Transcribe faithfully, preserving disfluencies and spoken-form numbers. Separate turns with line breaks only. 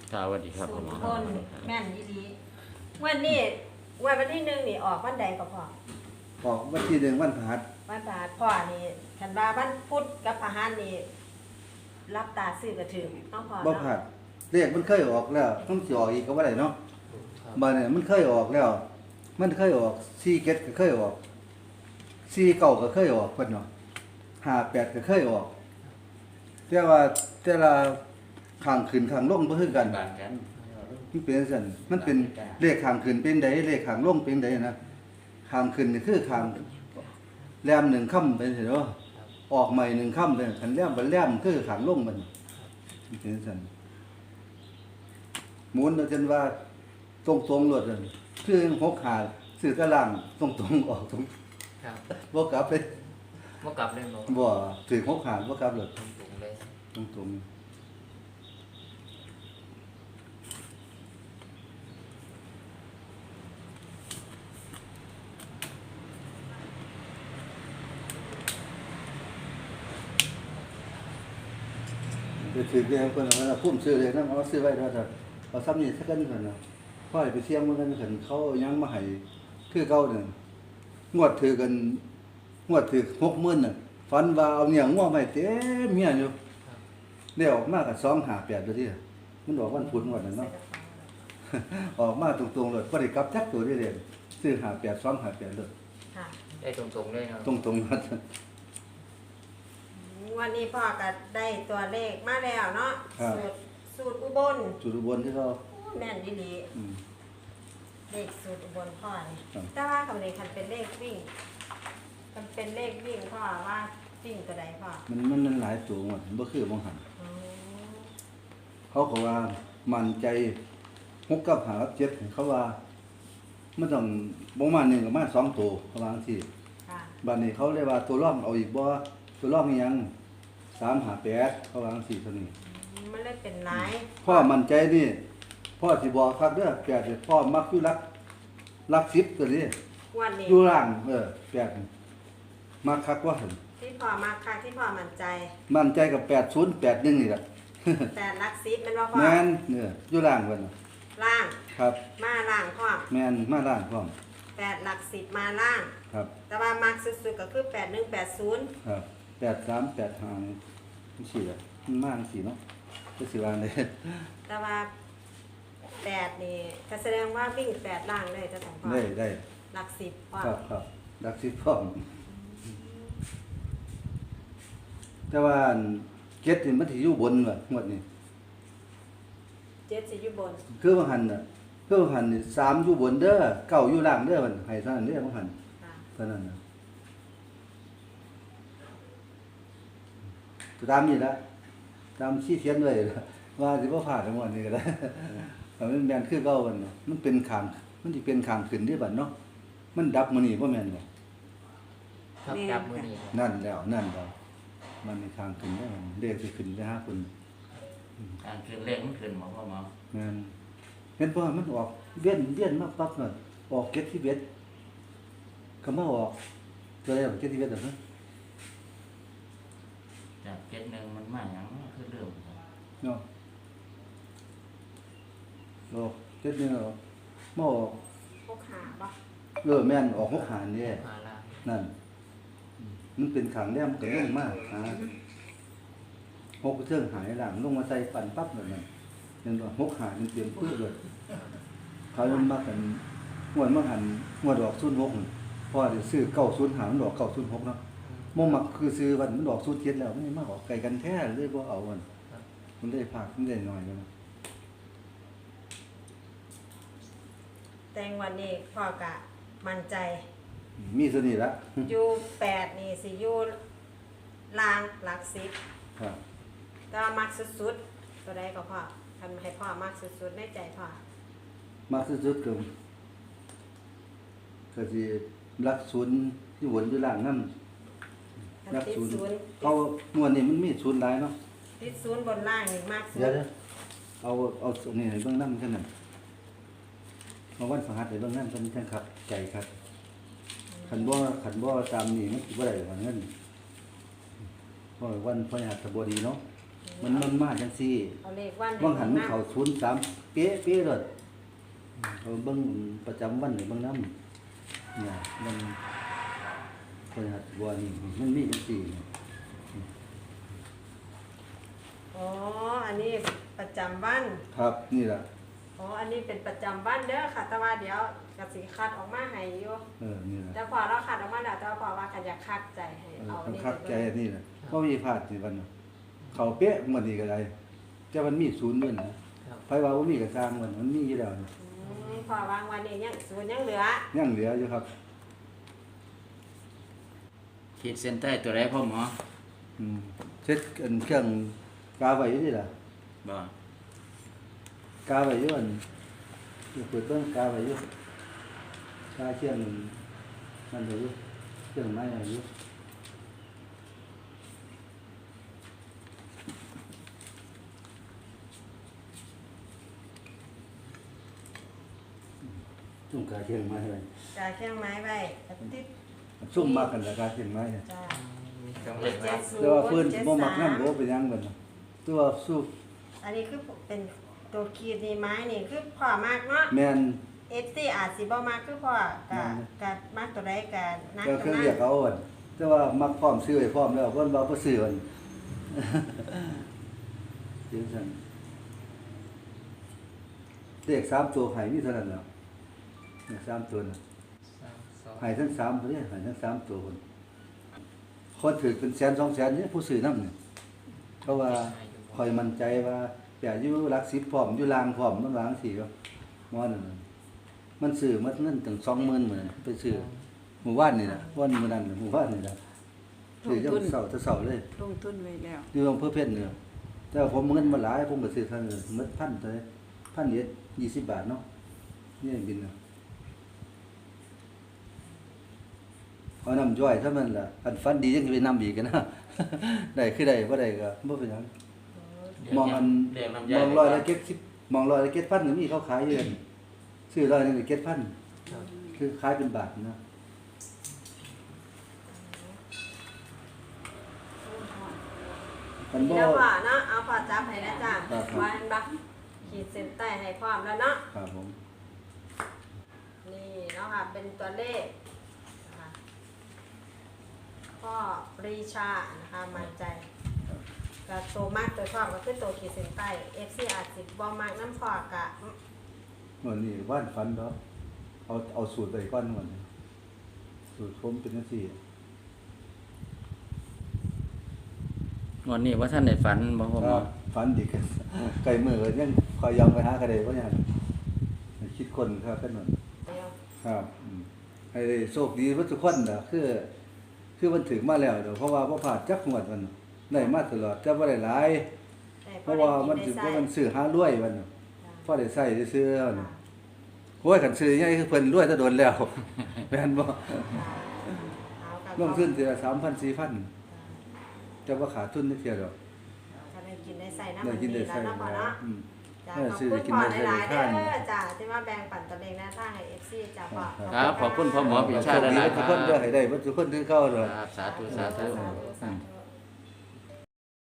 สวัสดีครับ
สู
ผม
ตรคนแม่นยี่ดีวันนี้วันวันที่หนึ่งนี่ออกวันใดก็พอ
ออกวันที่หนึ่งวันพฤหัส
วันพฤหัสพ่อนี่ฉันว่าวันพุธกับพฤหัสนี่รับตาซื้อกระถือต้องพอ
บ่
เนาะ
พลาดเลขมันเคยออกแล้วต้องสิออกอีกก็บ่ได้เนาะบัดนี้มันเคยออกแล้ว มันเคยออกสี่เจ็ดก็เคยออกสี่เก้าก็เคยออกเพิ่นเนาะห้าแปดก็เคยออกแต่ว่าแต่ละข้างขึ้นข้างลงบ่คือกัน
บ้านกัน
มันเป็นจังซั่นมันเป็นเลขข้างขึ้นเป็นใดเลขข้างลงเป็นใดนะข้างขึ้นนี่คือข้างแรมหนึ่งค่ำเป็นสิเนาะออกใหม่หนึ่งค่ำเป็นคันแรมบ่แรมคือข้างลงมันมันเป็นจังซั่นหมุนเอาจนว่าตรงๆโลดนั่นคือหกขาซื้อตารางตรงๆออกตรง
ครับ
บ่กลับเลย
เมื่อกลับเลยเนาะ
บ่ถือหกขาบ่กลับเลย
ตรงๆเลย
ตรงๆไปถือเรียงเพิ่นเอาพุ่มซื้อเลยนำเอาซื้อไว้ว่าซั่นเอาซ้ำนี่สักกันเพิ่นน่ะพอให้ไปเสี่ยงมันกันเพิ่นเขายังมาให้คือเก่านั่นงวดถือกันงวดถือ หกหมื่นน่ะฝันว่าเอาเนี่ยงัวไว้เต็มเมียอยู่ได้ออกมาก็สองห้าแปดอยู่ที่มันออกวันพุธงวดนั้นเนาะ ออกมาตรงๆเลยบ่ได้กลับจักตัวได้เลยซื้อห้าแปด สองห้าแปดเลย
ค่ะ
ได้ตรงๆเลยเนาะ
ตรงๆนั้น
วันนี้พ่อก็ได้ตัวเลขมาแล้วเนาะสูตรสูตรอุบล
จุดอุบลที่เขา
แม่นยี่ดี
อืม
เลขสูตรอุบลพ่อนี่
ครับ
แต่ว่าคำนี้คันเป็นเลขวิ่งมันเป็นเลขวิ่งพ่อว่าวิ่งตัวใดพ่อ
มันมันมันหลายตัวหมดบ่คือบ่หัน
อ๋อ
เขาก็ว่ามั่นใจหกกับห้ากับเจ็ดเขาว่ามันต้องบ่มาหนึ่งก็มาสองตัวเขาว่าจังซี่
ค่ะ
บัดนี้เขาเรียกว่าตัวร่องเอาอีกบ่ตัวร่องอีหยังสาม ห้า แปดเขาว่าจังซี่เท่านี้
มันเลยเป็นหลาย
พ่อมั่นใจนี่พ่อสิบอกครับเด้อแปดนี่พ่อมักอยู่รักรักสิบตัวนี้
วันนี้
อยู่ล่างเออแปดนี่มักคักว่าหั่น
ที่พ่อมาค่ะที่พ่อมั่นใจ
มั่นใจกับแปดศูนย์ แปดหนึ่งนี่แหละ
แต่ลักซิปมันว่าพ่อ
แม่นเนี่ยอยู่ล่างเพิ่นน่ะ
ล่าง
ครับ
มาล่างพ่อ
แม่นมาล่างพร้อม
แปดหลักสิบมาล่าง
ครับ
แต่ว่ามักสุดๆก็คือแปดหนึ่งแปดศูนย์
ครับแปดสาม แปดห้านี่มันสิล่ะมันมาจังซี่เนาะก็สิว่าได้
แต่ว่าแปดนี่ก็แสดงว่าวิ่งแปดล่างเลยจะสองพ่อ
ได้ได้
หลักสิบพ่อ
ครับครับรักสิบพร้อมแต่ว่าอันเก็ดนี่มันสิอยู่บนว่ะงวดนี้
เจ็ดสิอยู่บน
คือว่าหั่นน่ะคือว่าหั่นนี่สามอยู่บนเด้อเก้าอยู่ล่างเด้อมันให้เท่านั้นเด้อว่าหั่น
ค่ะ
เท่านั้นน่ะตามนี่ละตามชี้เขียนไว้ล่ะว่าสิบ่พลาดทั้งหมดนี้ก็ได้ แต่มันแม่นคือเก่ามันเนาะมันเป็นข้างมันสิเป็นข้างขึ้นเด้บัดเนาะมันดับมื้อนี้บ่แม่นบ่
ครับจับมือนี้ครับ
นั่นแล้วนั่นแล้วมันมีข้างขึ้นได้มันเลขสิขึ้นได้ห้าคุณ
การขึ้นเลขมันขึ้นหมอพ่อหมอ
แม่นเห็นบ่มันออกเวียนเวียนมาปั๊บน่ะออกเก็ดที่เบ็ดก็มาออกตัวใดออกเก็ดที่เบ็ดอ่ะฮะ
จากเจ็ดหนึ่งมันมาอย่างนั้นคือเรื่อง
เนาะออกเก็ดนี่ออกมาออก
พวกขาปะ
เออแม่นออกหกหารนี่
มาล่าง
นั่นมันเป็นขังแรมก็ลงมากหาหกเทิงหายหลังลงมาใส่ปั่นปั๊บแบบนั้นนั่นว่าหกหารมันเตรียมปื้อเลยเขามันมากันงวดมาหันงวดดอกศูนย์หกพอจะซื้อเก้าศูนย์หามันดอกเก้าศูนย์หกเนาะมมักคือซื้อวันมันดอกศูนย์เจ็ดแล้วมันมาออกไก่กันแท้เลยบ่เอามันมันได้ผักมันได้หน่อยนะ
แต่งวันนี้พ่อกะมั่นใจ
มีสนิทละ
อยู่แปดนี่สิอยู่ล่างหลักสิบ
ครับ
แต่ว่ามักสุดๆตัวใดก็พ่อทำให้พ่อมักสุดๆในใจพ่อ
มาสุดๆก็ก็สิรักศูนย์ที่วนอยู่ล่างนั่น
คัน
รัก
ติด
ศูนย์
ศูนย์
เขางวดนี้มันมีศูนย์หลายเนาะ
ติดศูนย์บนล่างนี่มากสุด
เดี๋ยวเดี๋ยวเอาเอาส่วนนี้ให้เบิ่งนำกันนั่นมาวันพฤหัสให้เบิ่งนำกันจังครับ ใจครับคันบ่คันบ่ตามนี้มันสิบ่ได้ว่าเงินเพราะวันพฤหัสบดีเนาะ
อืม
มันมันมาจังซี่
เอาเลขวัน
บางหันมันเข้าศูนย์สามเป๊ะเป๊ะเลยเอาเบิ่งประจำวันนี่เบิ่งนำเนี่ยมันพฤหัสบดีมันมีจังซี่
อ๋ออันนี้ประจำวัน
ครับนี่ล่ะ
อ๋ออันนี้เป็นประจำวันเด้อค่ะแต่ว่าเดี๋ยวกสิคัดออกมาให้อยู่
เออนี่ล่ะ
แต่พอเราคัดออกมาแล้วแต่ว่าพอว่ากันอยากคัดใจให้
เออ
เอา
มัน
นี่
คักใจ
ไป
อันนี่ล่ะบ่มีพลาดนี่วันน่ะเข้าเป๊ะหมดนี่ก็ได้แต่มันมีศูนย์ด้วยนะครับ ไผว่าบ่มีก็สร้างมันมันมีอยู่แล้วนะ
อืมพอวางวันนี้ยังส่วนยังเหลือ
ยังเหลืออยู่ครับ
ขีดเส้นใต้ตัวใดพ่อหมอ
อืมเช็ดอันเครื่องกาไว้อยู่นี่ล่ะ
บ่
กาไว้อยู่อันเปิดเบิ่งกาไว้อยู่กาเชียงนั่นเลยอยู่เครื่องไม้อะไรอยู่จุ่มกาเชียงไม้อะไร
จ่ายเครื่องไม้ไว้ติด
ซุ่มมากกันละกาเชียงไม้เนี่ย
จ้า
มีเครื่องห
เจ็
มา
ด
ย
เจ็ดศู
ว่า
แต่ว่าเพิ่น
เจ็ด
บ่มัก
สาม
นำบ่เป็นหยังเบิ่นน่ะตัวสู้
อันนี้คือเป็นตัวขีดนี่ไม้นี่คือพ่อมากเนาะ
แม่น
เอฟซีอาจสิบ่มากคือพ่อกะกะมากตัวใดกะนัก
ก็
ตั
คื
ว
อ
นั้
เรียก
น
เอาอั่นแต่ว่ามักพร้อมซื้อไว้พร้อมแล้วเพิ่นว่าบ่ซื้ออั่น จังซั่นเลขสามตัวให้มีเท่านั้นแหล้วเนี่ยสามตัวน่ะ
สามสอง
ให้ทั้งสามตัวเนี่ยให้ทั้งสามตัวคนคนถือเป็นแสนสองแสนเนี่ยผู้ซื้อนำเนี่ยเพราะว่าคอยมั่นใจว่าอย่าอยู่หลักสิบพร้อมอยู่ลางพร้อมมันวาจังซี่ก็มอนั่นน่ะมันซื้อหมดเงินถึงสองหมื่นหมื้อไปซื้อหมู่บ้านนี่น่ะวันมื้อนั้นน่ะหมู่บ้านนี่น่ะซื้อจังเช้าแต่เช้าเลย
ลงทุนไว้แล้ว
อยู่อำเภอเพชรเนี่ยแต่ว่าผมเงินมาหลายผมก็ซื้อเท่านั้นหมดพันเท่าไหร่พันเอ็ดยี่สิบบาทเนาะนี่บินน่ะเอาน้ำย่อยเท่านั้นล่ะอันฟันดียังสิไปนำอีกกันนะ ได้คือได้บ่ได้ก็บ่เป็นหยังมองอัน
เรียกน้ำ
ม
ยา
องร้อยละเก็ดสิบมองร้อยละเก็ดพันก็มีเขาขายอยู่นั่นซื้อร้อยหนึงก็เก็ดพัน
ครับ
คือขายเป็นบาทนะ กันบ่
แล้วพ่อเนาะเอาพ่อจับให้แล้วจ้า
ครับ
วางบักขีดเส้นใต้ให้พร้อมแล้วเนาะ
ครับผม
นี่เนาะค่ะเป็นตัวเลขนะคะพ่อปรีชานะคะมั่นใจก็ตัวมากตัวชอบก็คือตัวขีดเส้นใต้ เอฟ ซี อาจสิบ่มากน้ำพอกะ
วันนี้ว่านฟันดอกเอาเอาสูตรไปก่อนวันนี้สูตรผมเป็นจังซี่
วันนี้ว่าท่านได้ฝันบ่พ่อหม
ค
อ
รับฝันดีกัน ไก่มือก็ยังคอยยอมไปหากระไดบ่ยังคิดคนครับกันนั่น
เดียว
ครับอืมให้ได้โชคดีเบิดทุกคนน่ะคือ คือมันถึงมาแล้วเดี๋ยวเพราะว่าบ่พลาดจักงวดมันได้มาตลอดแต่บ่ได้หลาย
แต่
เพ
พอ
ราะ
ได้
ว่า
กิ
มัน
ได้
สิ
ใส่
บ่มันซื้อหารวยมันน่ะ
จ้ะ
พอได้ใช้ได้ซื้อแล้วน่ะโอ้ยคันซื้อใหญ่คือเพิ่นรวยแตะโดนแล้ว แม่นบ่
เอากับ
ลงทุนทีละสามพัน สี่พันแต่ว่าขาดทุนนิดเดียวดอก
ก็ได้กินได้ใส่น้ำ
ได้
มัน
กิน
ดี
ได้
แล้ว
ใส่
เนาะพ่อเนาะ
อืม
จ้ะ
เออ
ขอบ
ซื้อ
คุณ
กิน
พ่อ
ได้
หลาย
ใส่
ๆเด้
ทาน
อจ้ะที่มาแบ่งปันตัวเลขหน้าทางให้ เอฟ ซี จ้ะพ่อ
ครับขอบคุณพ่อหมอ
โช
ปิ
ค
ชาติ
ดี
หลาย
ทุ
ๆ
ก
ค
ค
รั
น
บ
เด้อให้ได้เบิดทุกคนคือเก่าเด้อ
ครับสาธุสาธุ
สาธุสาธุ